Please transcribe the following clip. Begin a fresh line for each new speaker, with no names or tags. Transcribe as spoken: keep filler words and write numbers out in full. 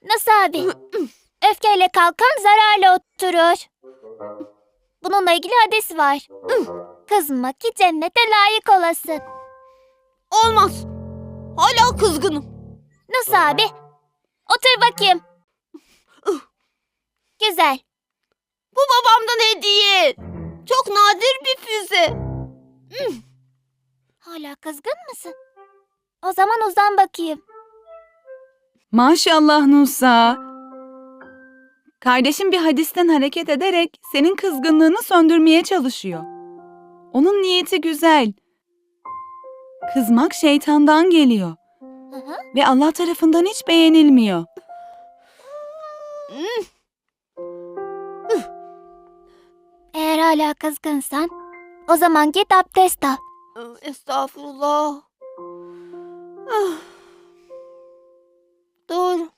Nasıl abi? Öfkeyle kalkan zararla oturur. Bununla ilgili hadis var. Kızma ki cennete layık olasın.
Olmaz. Hala kızgınım.
Nasıl abi? Otur bakayım. Güzel.
Bu babamdan hediye. Çok nadir bir füze.
Hala kızgın mısın? O zaman uzan bakayım.
Maşallah Nusa. Kardeşim bir hadisten hareket ederek senin kızgınlığını söndürmeye çalışıyor. Onun niyeti güzel. Kızmak şeytandan geliyor
Hı hı.
ve Allah tarafından hiç beğenilmiyor.
Eğer hala kızgınsan o zaman git abdest al.
Estağfurullah. Ah. Doğru.